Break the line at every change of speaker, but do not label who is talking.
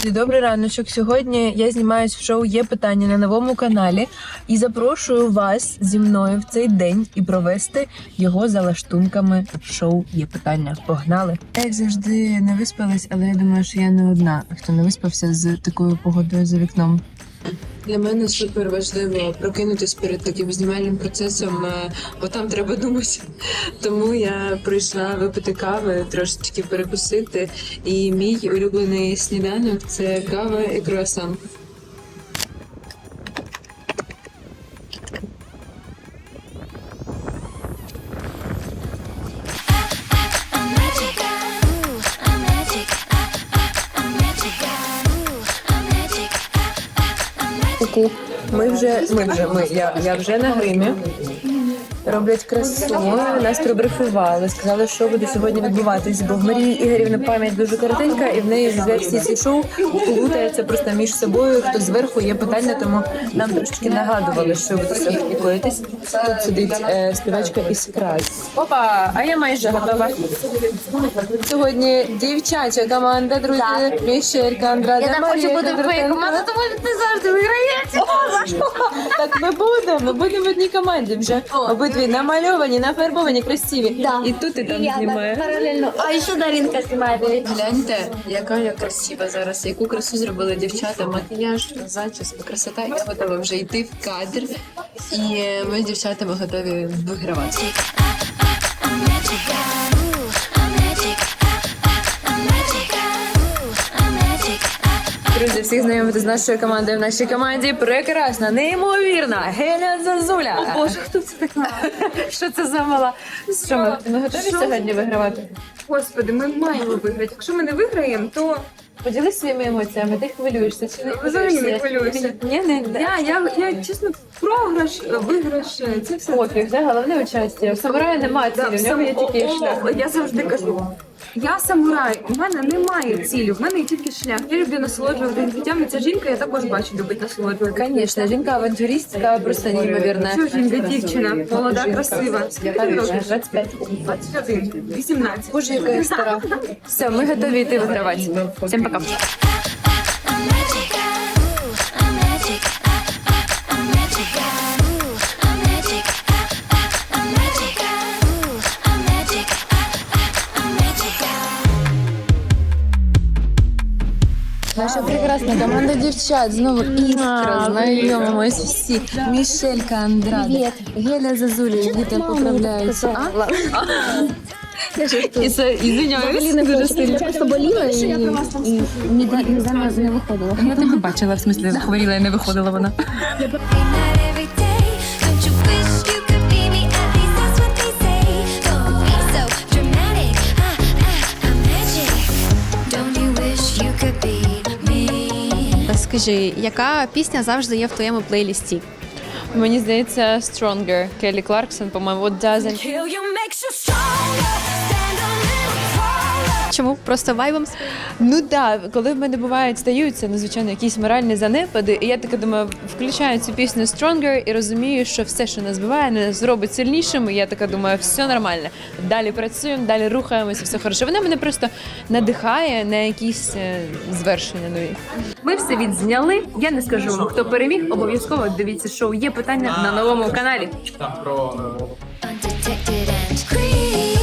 Друзі, добрий раночок. Сьогодні я знімаюсь в шоу «Є питання» на новому каналі і запрошую вас зі мною в цей день і провести його за лаштунками шоу «Є питання». Погнали! Як завжди не виспалась, але я думаю, що я не одна, хто не виспався з такою погодою за вікном.
Для мене супер важливо прокинутися перед таким знімальним процесом, бо там треба думати. Тому я прийшла випити кави, трошечки перекусити. І мій улюблений сніданок – це кава і круасан.
Я вже на гримі. Роблять красу, нас пробрифували, сказали, що буде сьогодні відбуватись, бо в Марії Ігорівни пам'ять дуже коротенька, і в неї за всі ці шоу плутається просто між собою, хто зверху є питання, тому нам трошки нагадували, що буде сьогодні коїтись. Тут сидить співачка із краю. Опа, а я майже готова. Сьогодні дівчача команда, друзі, Мішелька, Андрада,
Я так хочу бути твоєю командою, тому що ти завжди виграєш.
Так ми будемо в одній команді вже. Обидві намальовані, нафарбовані, красиві.
Да.
І тут і там знімає.
Паралельно. А ще Даринка знімає.
Гляньте, яка я красива зараз, яку красу зробили дівчата, макіяж, зачіска, красота. Я готова вже йти в кадр, і ми з дівчатами готові вигравати.
Друзі, всіх знайомити з нашою командою. В нашій команді прекрасна, неймовірна Геля Зазуля.
О, Боже, хто це така?
Що це за мала? Що ми готові сьогодні вигравати?
Господи, ми маємо виграти. Якщо ми не виграємо, то
Поділись своїми емоціями, ти хвилюєшся чи не
взагалі не хвилююся.
Ні, не.
Я чесно, програш, виграш, це все.
Пофіг, це головне участі. В самураї немає цілі, в нього є тільки шлях.
Я завжди кажу, я самурай, у мене немає цілі, в мене є тільки шлях. Я люблю насолоджуватися життям, і ця жінка, я також бачу, любить насолоджуватися.
Звісно, жінка-авантюристка просто неймовірна.
Що жінка, дівчина, молода, красива. Скільки тобі років?
25.
21, 18.
Боже, яка я стара. Все, ми готові йти вигравати. Всім пока. Наша прекрасна команда дівчат. Знову іскра, знайомимось всі. Мішелька Андрада, Геля Зазуля, діти поправляються. Извиняюсь, дуже сильно.
Часто боліла і не виходила.
Я тебе бачила, в смислі, хворіла і не виходила вона.
Скажи, яка пісня завжди є в твоєму плейлісті?
Мені здається, Stronger, Келлі Кларксон, по-моєму, What Doesn't.
Чому? Просто вайбом?
Ну так, коли в мене бувають, стаються, звичайно, якісь моральні занепади, і я така думаю, включаю цю пісню Stronger і розумію, що все, що нас збиває, нас зробить сильнішими, і я така думаю, все нормально. Далі працюємо, далі рухаємося, все хорошо. Вона мене просто надихає на якісь звершення нові.
Ми все відзняли. Я не скажу вам, хто переміг. Обов'язково дивіться шоу «Є питання» на новому каналі.
Там про
Undetected and creepy.